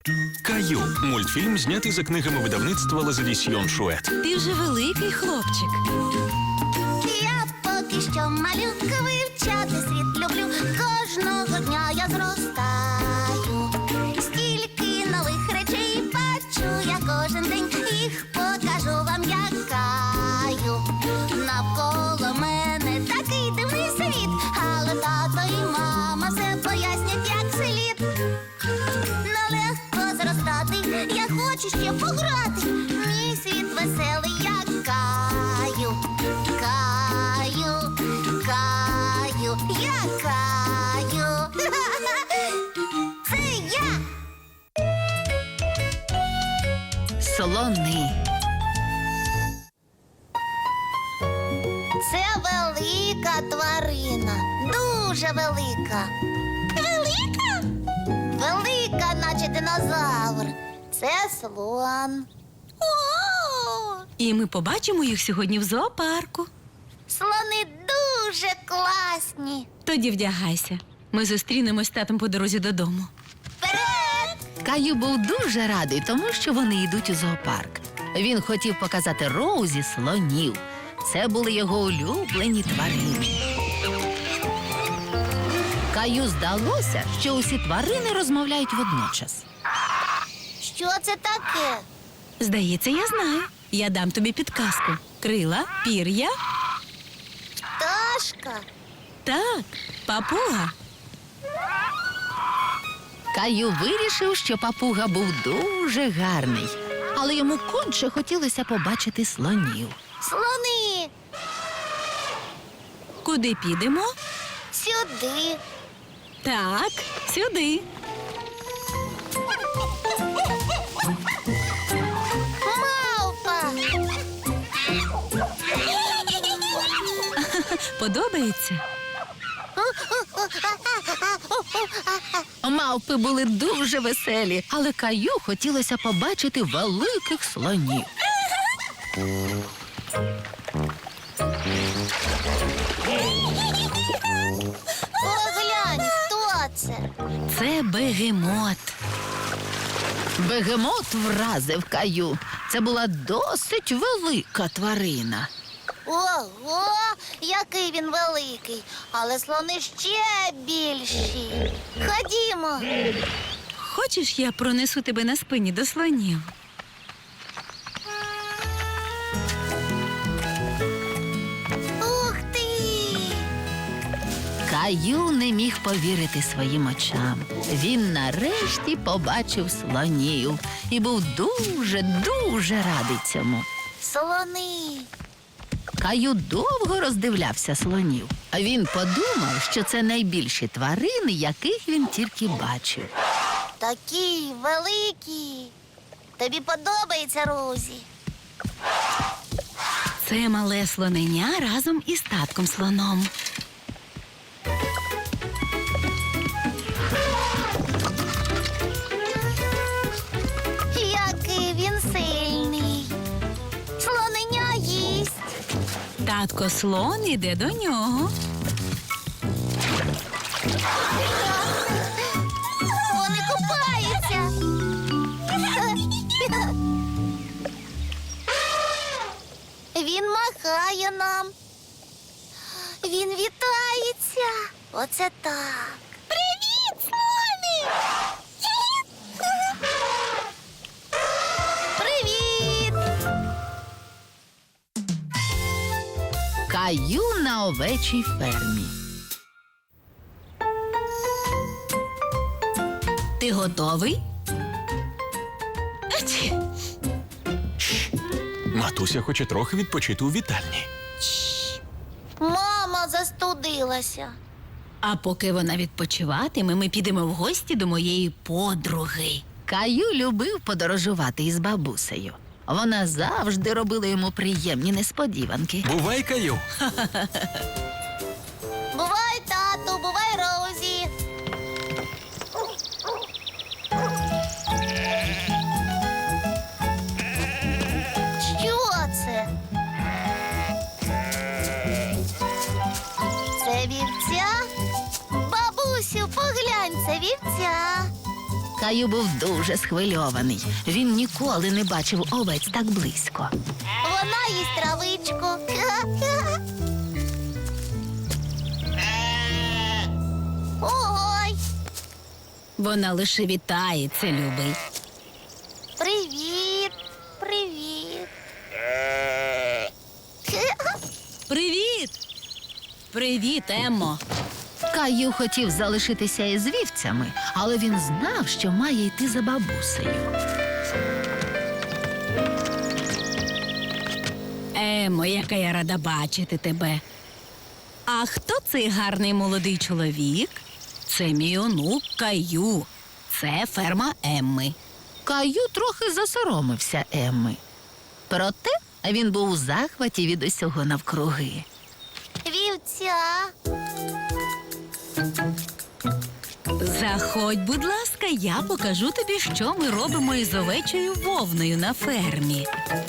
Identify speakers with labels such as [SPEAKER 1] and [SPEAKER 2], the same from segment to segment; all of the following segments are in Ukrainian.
[SPEAKER 1] Каю – мультфільм, знятий за книгами видавництва «Лазадісьйон Шует».
[SPEAKER 2] Ти вже великий хлопчик.
[SPEAKER 3] Я поки що малюка, вивчати світ люблю. Кожного дня я зростаю. Стільки нових речей бачу я кожен день. Їх покажу вам, як Каю. Навколо мене такий дивний світ, але тато і мама все пояснять, як слід. Нелегко зростати, я хочу ще пограти. Мій світ веселий, як Каю. Каю, Каю, я Каю. Це я.
[SPEAKER 2] Слони.
[SPEAKER 3] Це велика тварина, дуже велика. Велика? Велика, наче динозавр. Це слон. О!
[SPEAKER 2] І ми побачимо їх сьогодні в зоопарку.
[SPEAKER 3] Слони дуже класні.
[SPEAKER 2] Тоді вдягайся. Ми зустрінемось з татом по дорозі додому.
[SPEAKER 3] Вперед!
[SPEAKER 4] Каю був дуже радий, тому що вони йдуть у зоопарк. Він хотів показати Роузі слонів. Це були його улюблені тварини. Каю здалося, що усі тварини розмовляють водночас.
[SPEAKER 3] Що це таке?
[SPEAKER 2] Здається, я знаю. Я дам тобі підказку. Крила, пір'я.
[SPEAKER 3] Пташка.
[SPEAKER 2] Так, папуга.
[SPEAKER 4] Каю вирішив, що папуга був дуже гарний, але йому конче хотілося побачити слонів.
[SPEAKER 3] Слони.
[SPEAKER 2] Куди підемо?
[SPEAKER 3] Сюди.
[SPEAKER 2] Так, сюди.
[SPEAKER 3] Мавпа.
[SPEAKER 2] Подобається?
[SPEAKER 4] Мавпи були дуже веселі, але Каю хотілося побачити великих слонів.
[SPEAKER 3] Поглянь, хто це?
[SPEAKER 2] Це бегемот.
[SPEAKER 4] Бегемот вразив Каю. Це була досить велика тварина.
[SPEAKER 3] Ого, який він великий, але слони ще більші. Ходімо.
[SPEAKER 2] Хочеш, я пронесу тебе на спині до слонів?
[SPEAKER 3] Ух ти!
[SPEAKER 4] Каю не міг повірити своїм очам. Він нарешті побачив слонів і був дуже радий цьому.
[SPEAKER 3] Слони.
[SPEAKER 4] Каю довго роздивлявся слонів, а він подумав, що це найбільші тварини, яких він тільки бачив.
[SPEAKER 3] Такі великі. Тобі подобається, Розі?
[SPEAKER 2] Це мале слоненя разом із татком слоном.
[SPEAKER 3] Який він сильний. Слоненя їсть.
[SPEAKER 2] Татко слон іде до нього.
[SPEAKER 3] Вони купаються. Він махає нам. Він вітається. Оце так. Привіт, слони! Привіт!
[SPEAKER 4] Каю на овечій фермі.
[SPEAKER 2] Ти готовий? Ачі!
[SPEAKER 1] Матуся хоче трохи відпочити у вітальні.
[SPEAKER 3] Мама застудилася.
[SPEAKER 2] А поки вона відпочиватиме, ми підемо в гості до моєї подруги.
[SPEAKER 4] Каю любив подорожувати із бабусею. Вона завжди робила йому приємні несподіванки.
[SPEAKER 1] Бувай, Каю.
[SPEAKER 3] Бувай, тату, бувай, Розі. Що це? Це вівця? Бабусю, поглянь, це вівця.
[SPEAKER 4] Каю був дуже схвильований. Він ніколи не бачив овець так близько.
[SPEAKER 3] Вона їсть травичку. Ой,
[SPEAKER 2] Вона лише вітається, любий.
[SPEAKER 3] привіт, привіт.
[SPEAKER 2] Привіт! Привіт, Еммо.
[SPEAKER 4] Каю хотів залишитися із вівцями, але він знав, що має йти за бабусею.
[SPEAKER 2] Еммо, яка я рада бачити тебе. А хто цей гарний молодий чоловік? Це мій онук Каю. Це ферма Емми.
[SPEAKER 4] Каю трохи засоромився Емми. Проте він був у захваті від усього навкруги.
[SPEAKER 3] Вівця.
[SPEAKER 2] Заходь, будь ласка, я покажу тобі, що ми робимо із овечою вовною на фермі.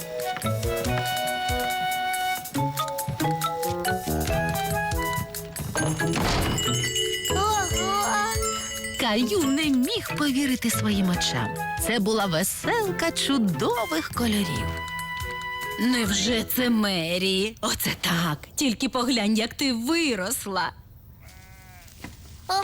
[SPEAKER 3] Ого.
[SPEAKER 4] Каю не міг повірити своїм очам. Це була веселка чудових кольорів.
[SPEAKER 2] Невже це Мері? Оце так. Тільки поглянь, як ти виросла.
[SPEAKER 3] О.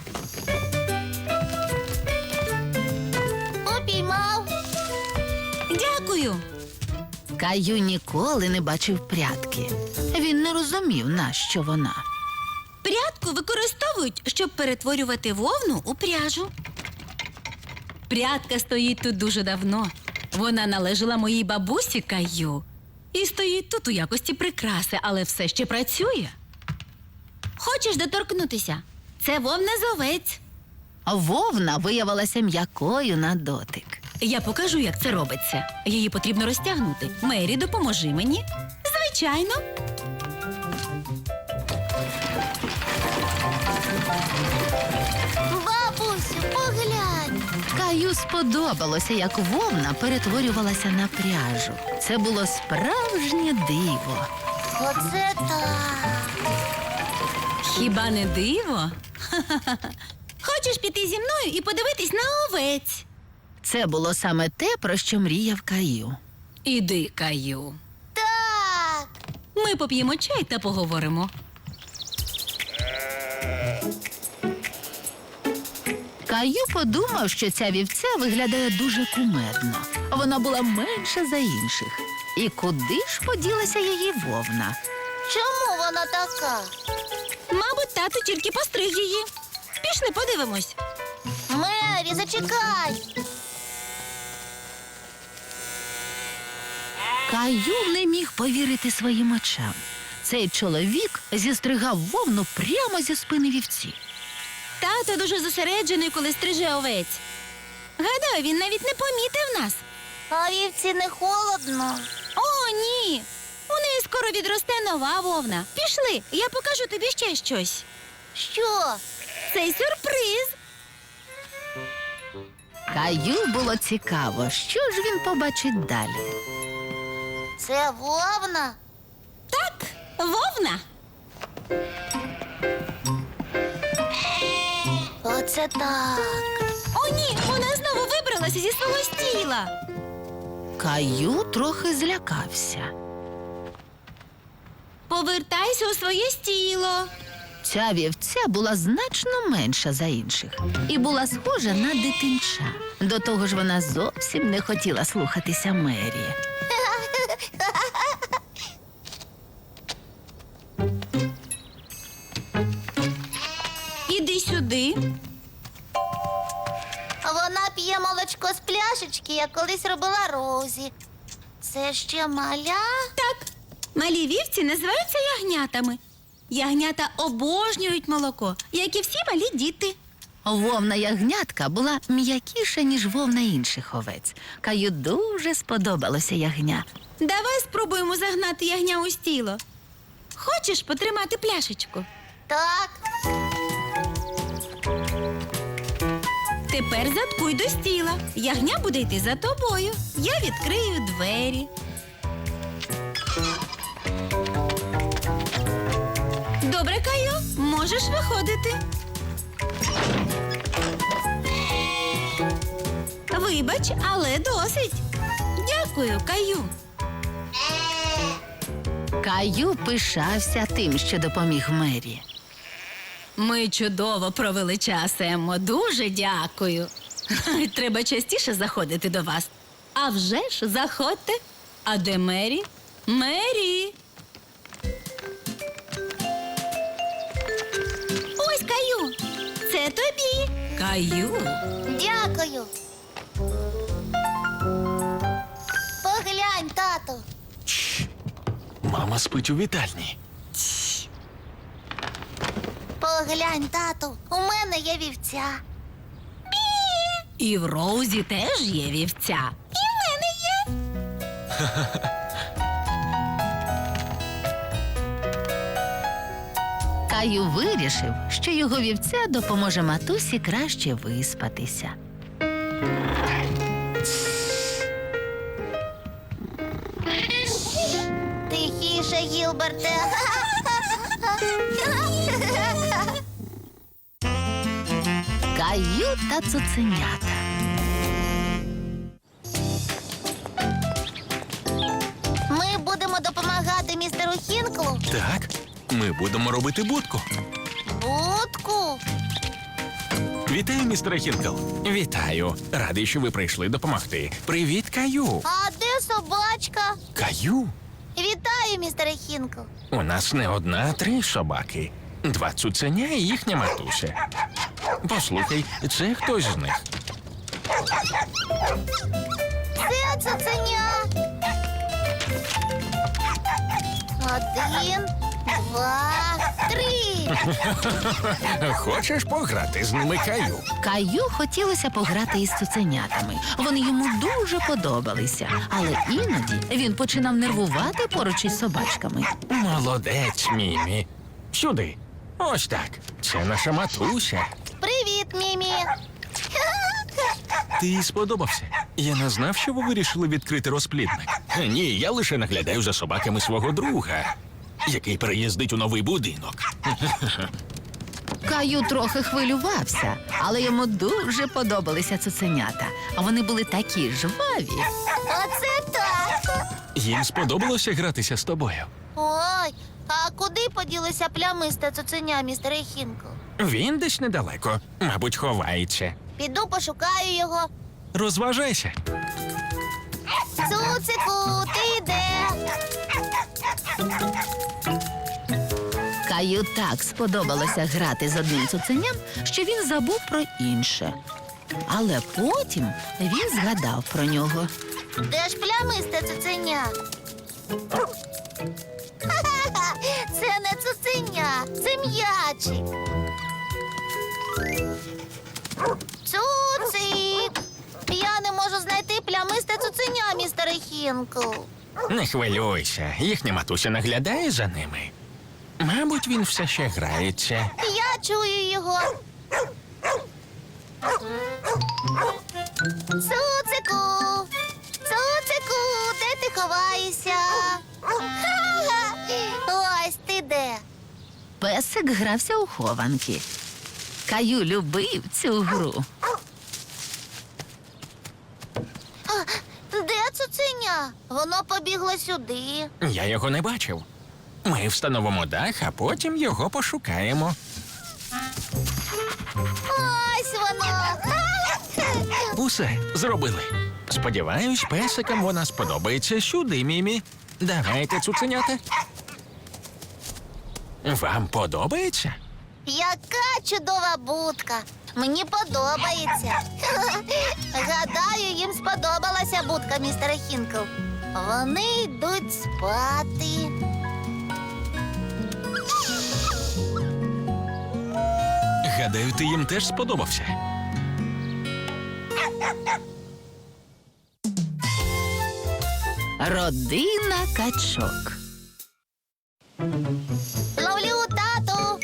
[SPEAKER 3] Упіймав.
[SPEAKER 2] Дякую.
[SPEAKER 4] Каю ніколи не бачив прядки. Він не розумів, нащо вона.
[SPEAKER 2] Прядку використовують, щоб перетворювати вовну у пряжу. Прядка стоїть тут дуже давно. Вона належала моїй бабусі Каю. І стоїть тут у якості прикраси, але все ще працює. Хочеш доторкнутися? Це вовна з овець.
[SPEAKER 4] Вовна виявилася м'якою на дотик.
[SPEAKER 2] Я покажу, як це робиться. Її потрібно розтягнути. Мері, допоможи мені. Звичайно.
[SPEAKER 3] Бабусю, поглянь.
[SPEAKER 4] Каю сподобалося, як вовна перетворювалася на пряжу. Це було справжнє диво.
[SPEAKER 3] Оце так.
[SPEAKER 2] Хіба не диво? Ха-ха-ха. Хочеш піти зі мною і подивитись на овець?
[SPEAKER 4] Це було саме те, про що мріяв Каю.
[SPEAKER 2] Іди, Каю.
[SPEAKER 3] Так.
[SPEAKER 2] Ми поп'ємо чай та поговоримо.
[SPEAKER 4] Каю подумав, що ця вівця виглядає дуже кумедно. Вона була менша за інших. І куди ж поділася її вовна?
[SPEAKER 3] Чому вона така?
[SPEAKER 2] Мабуть, тато тільки постриг її. Пішли, подивимось.
[SPEAKER 3] Мері, зачекай.
[SPEAKER 4] Каю не міг повірити своїм очам. Цей чоловік зістригав вовну прямо зі спини вівці.
[SPEAKER 2] Тато дуже зосереджений, коли стриже овець. Гадаю, він навіть не помітив нас.
[SPEAKER 3] А вівці не холодно.
[SPEAKER 2] О, ні! У неї скоро відросте нова вовна. Пішли, я покажу тобі ще щось.
[SPEAKER 3] Що?
[SPEAKER 2] Цей сюрприз.
[SPEAKER 4] Каю було цікаво, що ж він побачить далі.
[SPEAKER 3] Це вовна?
[SPEAKER 2] Так, вовна.
[SPEAKER 3] Оце так.
[SPEAKER 2] О, ні, вона знову вибралася зі свого стіла.
[SPEAKER 4] Каю трохи злякався.
[SPEAKER 2] Повертайся у своє стіло.
[SPEAKER 4] Ця вівця була значно менша за інших і була схожа на дитинча. До того ж, вона зовсім не хотіла слухатися Мері.
[SPEAKER 2] Іди сюди.
[SPEAKER 3] Вона п'є молочко з пляшечки, як колись робила Розі. Це ще маля?
[SPEAKER 2] Так, малі вівці називаються ягнятами. Ягнята обожнюють молоко, як і всі малі діти.
[SPEAKER 4] Вовна ягнятка була м'якіша, ніж вовна інших овець. Каю дуже сподобалося ягня.
[SPEAKER 2] Давай спробуємо загнати ягня у стіло. Хочеш потримати пляшечку?
[SPEAKER 3] Так.
[SPEAKER 2] Тепер заткуй до стіла. Ягня буде йти за тобою. Я відкрию двері. Добре, Каю, можеш виходити. Вибач, але досить. Дякую, Каю.
[SPEAKER 4] Каю пишався тим, що допоміг Мері.
[SPEAKER 2] Ми чудово провели час, Еммо. Дуже дякую. Треба частіше заходити до вас. А вже ж, заходьте. А де Мері? Мері!
[SPEAKER 3] Ось, Каю, це тобі.
[SPEAKER 2] Каю.
[SPEAKER 3] Дякую. Поглянь, тату.
[SPEAKER 1] Мама спить у вітальні.
[SPEAKER 3] Поглянь, тату. У мене є вівця.
[SPEAKER 2] І в Роузі теж є вівця.
[SPEAKER 3] І в мене є.
[SPEAKER 4] Каю вирішив, що його вівця допоможе матусі краще виспатися.
[SPEAKER 3] Тихіше, Гілберте.
[SPEAKER 4] Каю та цуценята.
[SPEAKER 3] Ми будемо допомагати містеру Хінклу.
[SPEAKER 1] Так, ми будемо робити будку.
[SPEAKER 3] Будку.
[SPEAKER 1] Вітаю, містер Хінкл. Вітаю. Радий, що ви прийшли допомогти. Привіт, Каю.
[SPEAKER 3] А де собачка?
[SPEAKER 1] Каю?
[SPEAKER 3] Вітаю, містере Хінкл.
[SPEAKER 1] У нас не одна, а 3 собаки. 2 цуценя і їхня матуся. Послухай, це хтось з них.
[SPEAKER 3] Це цуценя. 1, 2, 3.
[SPEAKER 1] Хочеш пограти з ними, Каю?
[SPEAKER 4] Каю хотілося пограти із цуценятами. Вони йому дуже подобалися, але іноді він починав нервувати поруч із собачками.
[SPEAKER 1] Молодець, Мімі. Сюди. Ось так. Це наша матуся.
[SPEAKER 3] Привіт, Мімі.
[SPEAKER 1] Ти їй сподобався. Я не знав, що ви вирішили відкрити розплідник. Ні, я лише наглядаю за собаками свого друга, який переїздить у новий будинок.
[SPEAKER 4] Каю трохи хвилювався, але йому дуже подобалися цуценята. А вони були такі жваві.
[SPEAKER 3] Оце так.
[SPEAKER 1] Їм сподобалося гратися з тобою.
[SPEAKER 3] Ой, а куди поділися плямисте цуценя, містере Хінкл?
[SPEAKER 1] Він десь недалеко, мабуть, ховається.
[SPEAKER 3] Піду пошукаю його.
[SPEAKER 1] Розважайся.
[SPEAKER 3] Цуцику, ти де?
[SPEAKER 4] Каю так сподобалося грати з одним цуценям, що він забув про інше. Але потім він згадав про нього.
[SPEAKER 3] Де ж плямисте цуценя? Ха-ха-ха, це не цуценя, це м'ячик. Цуцик! Я не можу знайти плямисте цуценя, містере Хінкл.
[SPEAKER 1] Не хвилюйся, їхня матуся наглядає за ними. Мабуть, він все ще грається.
[SPEAKER 3] Я чую його. Цуцику! Цуцику, де ти ховаєшся? Ха-ха! Ось ти де.
[SPEAKER 4] Песик грався у хованки. Каю любив цю гру.
[SPEAKER 3] Де цуценя? Воно побігло сюди.
[SPEAKER 1] Я його не бачив. Ми встановимо дах, а потім його пошукаємо.
[SPEAKER 3] Ось воно.
[SPEAKER 1] Усе, зробили. Сподіваюсь, песикам вона сподобається. Сюди, Мімі. Давайте, цуценята. Вам подобається?
[SPEAKER 3] Яка чудова будка. Мені подобається. Гадаю, їм сподобалася будка, містере Хінкл. Вони йдуть спати.
[SPEAKER 1] Гадаю, ти їм теж сподобався.
[SPEAKER 4] Родина качок.
[SPEAKER 3] Ловлю, тату.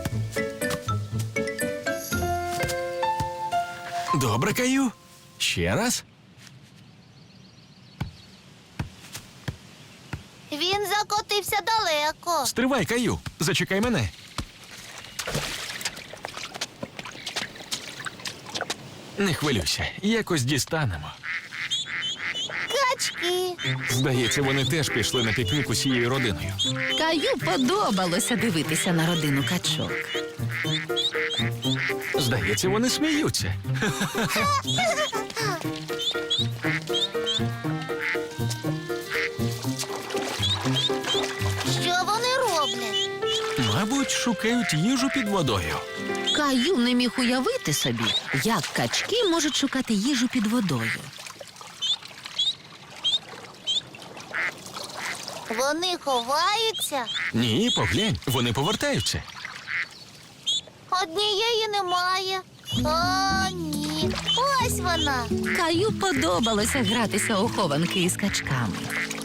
[SPEAKER 1] Добре, Каю. Ще раз.
[SPEAKER 3] Він закотився далеко.
[SPEAKER 1] Стривай, Каю. Зачекай мене. Не хвилюйся, якось дістанемо.
[SPEAKER 3] Качки.
[SPEAKER 1] Здається, вони теж пішли на пікнік усією родиною.
[SPEAKER 4] Каю подобалося дивитися на родину качок.
[SPEAKER 1] Здається, вони сміються.
[SPEAKER 3] Що вони роблять?
[SPEAKER 1] Мабуть, шукають їжу під водою.
[SPEAKER 4] Каю не міг уявити собі, як качки можуть шукати їжу під водою.
[SPEAKER 3] Вони ховаються.
[SPEAKER 1] Ні, поглянь, вони повертаються.
[SPEAKER 3] Однієї немає. О, ні. Ось вона.
[SPEAKER 4] Каю подобалося гратися у хованки із качками.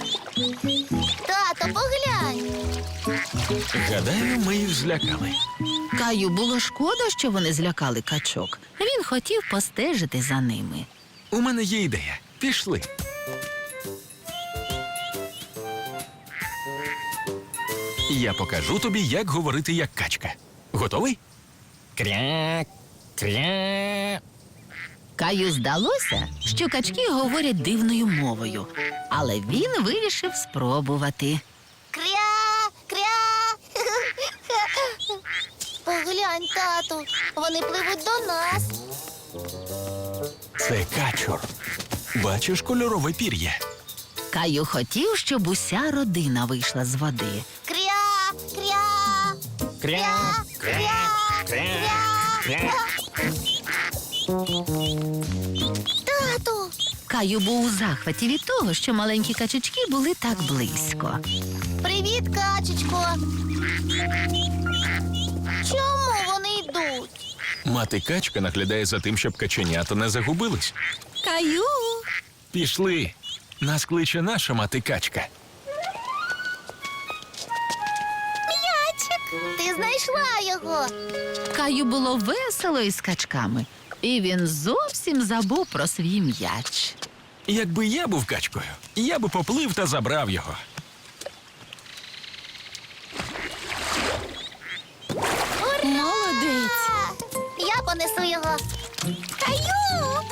[SPEAKER 3] Тато, поглянь.
[SPEAKER 1] Гадаю, ми їх злякали.
[SPEAKER 4] Каю було шкода, що вони злякали качок. Він хотів постежити за ними.
[SPEAKER 1] У мене є ідея. Пішли. Я покажу тобі, як говорити як качка. Готовий? Кря, кря.
[SPEAKER 4] Каю здалося, що качки говорять дивною мовою, але він вирішив спробувати.
[SPEAKER 3] Кря, кря. Поглянь, тату. Вони пливуть до нас.
[SPEAKER 1] Це качур. Бачиш кольорове пір'я?
[SPEAKER 4] Каю хотів, щоб уся родина вийшла з води.
[SPEAKER 3] Кря, кря. Кря, кря, кря. Тату.
[SPEAKER 4] Каю був у захваті від того, що маленькі качечки були так близько.
[SPEAKER 3] Привіт, качечко. Чому вони йдуть?
[SPEAKER 1] Мати качка наглядає за тим, щоб каченята не загубились.
[SPEAKER 2] Каю.
[SPEAKER 1] Пішли. Нас кличе наша мати качка.
[SPEAKER 3] М'ячик. Ти знайшла його.
[SPEAKER 4] Каю було весело із качками, і він зовсім забув про свій м'яч.
[SPEAKER 1] Якби я був качкою, я би поплив та забрав його.
[SPEAKER 2] Молодець.
[SPEAKER 3] Я понесу його. Каю!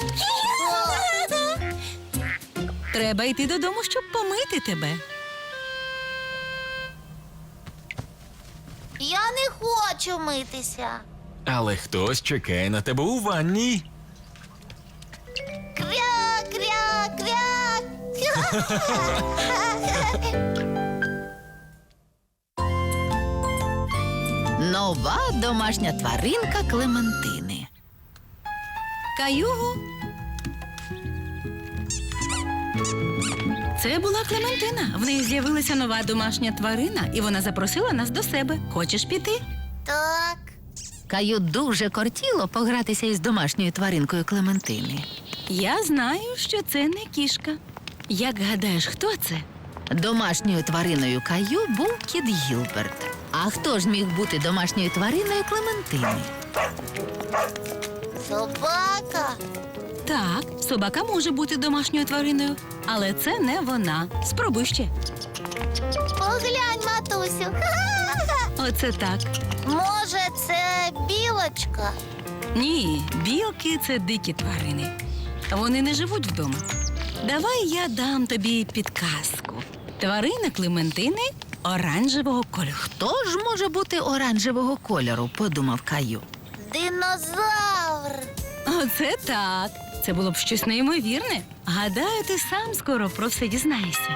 [SPEAKER 2] Треба йти додому, щоб помити тебе.
[SPEAKER 3] Я не хочу митися.
[SPEAKER 1] Але хтось чекає на тебе у ванні.
[SPEAKER 3] Кря, кря, кря.
[SPEAKER 4] Нова домашня тваринка Клементини.
[SPEAKER 2] Каю. Це була Клементина. В неї з'явилася нова домашня тварина, і вона запросила нас до себе. Хочеш піти?
[SPEAKER 3] Так.
[SPEAKER 4] Каю дуже кортіло погратися із домашньою тваринкою Клементини.
[SPEAKER 2] Я знаю, що це не кішка. Як гадаєш, хто це?
[SPEAKER 4] Домашньою твариною Каю був кіт Гілберт. А хто ж міг бути домашньою твариною Клементини?
[SPEAKER 3] Собака.
[SPEAKER 2] Так, собака може бути домашньою твариною, але це не вона. Спробуй ще.
[SPEAKER 3] Поглянь, матусю.
[SPEAKER 2] Оце так.
[SPEAKER 3] Може, це білочка?
[SPEAKER 2] Ні, білки це дикі тварини. Вони не живуть вдома. Давай я дам тобі підказку. Тварина Клементини оранжевого кольору.
[SPEAKER 4] Хто ж може бути оранжевого кольору, подумав Каю.
[SPEAKER 3] Динозавр.
[SPEAKER 2] Оце так. Це було б щось неймовірне. Гадаю, ти сам скоро про все дізнаєшся.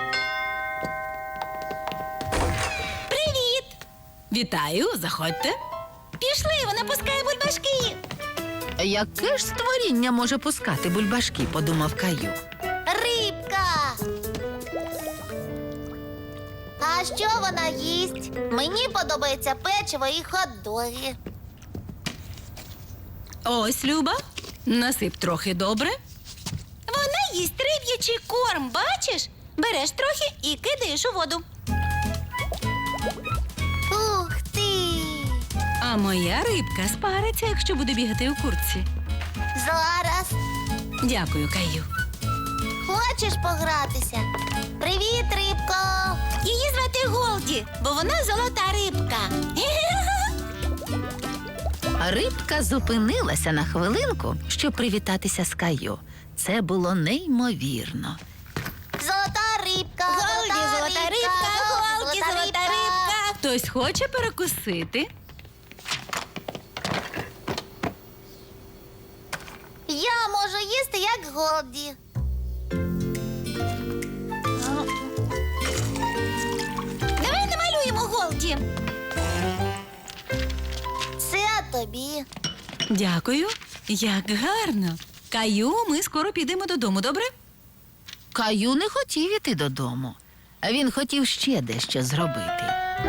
[SPEAKER 2] Привіт! Вітаю, заходьте. Пішли, вона пускає бульбашки.
[SPEAKER 4] Яке ж створіння може пускати бульбашки, подумав Каю.
[SPEAKER 3] Рибка. А що вона їсть? Мені подобається печиво і хот-доги.
[SPEAKER 2] Ось, Люба, насип трохи добре. Вона їсть риб'ячий корм, бачиш? Береш трохи і кидаєш у воду.
[SPEAKER 3] Ух ти!
[SPEAKER 2] А моя рибка спариться, якщо буде бігати у куртці.
[SPEAKER 3] Зараз.
[SPEAKER 2] Дякую, Каю.
[SPEAKER 3] Хочеш погратися? Привіт, рибко! Її звати Голді, бо вона золота рибка.
[SPEAKER 4] Рибка зупинилася на хвилинку, щоб привітатися з Каю. Це було неймовірно.
[SPEAKER 3] Золота рибка, золота рибка, Голді, золота рибка.
[SPEAKER 2] Хтось хоче перекусити?
[SPEAKER 3] Я можу їсти, як Голді. Давай намалюємо Голді. Це тобі.
[SPEAKER 2] Дякую. Як гарно. Каю, ми скоро підемо додому, добре?
[SPEAKER 4] Каю не хотів іти додому. Він хотів ще дещо зробити.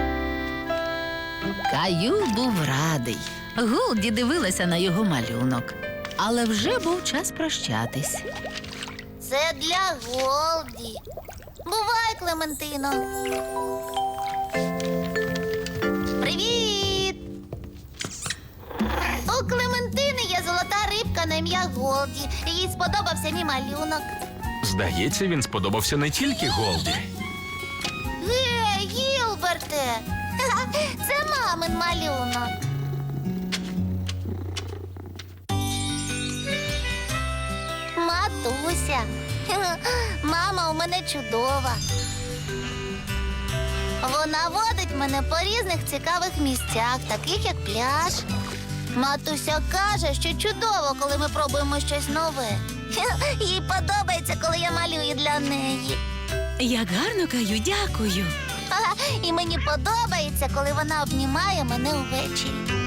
[SPEAKER 4] Каю був радий. Голді дивилася на його малюнок. Але вже був час прощатись.
[SPEAKER 3] Це для Голді. Бувай, Клементино. Привіт! У Клементини є золота рибка на ім'я Голді. Їй сподобався мій малюнок.
[SPEAKER 1] Здається, він сподобався не тільки Голді.
[SPEAKER 3] Гей, Гілберте! Це мамин малюнок. Матуся. Мама у мене чудова. Вона водить мене по різних цікавих місцях, таких як пляж. Матуся каже, що чудово, коли ми пробуємо щось нове. Їй подобається, коли я малюю для неї.
[SPEAKER 2] Як гарно, Каю, дякую.
[SPEAKER 3] І мені подобається, коли вона обнімає мене увечері.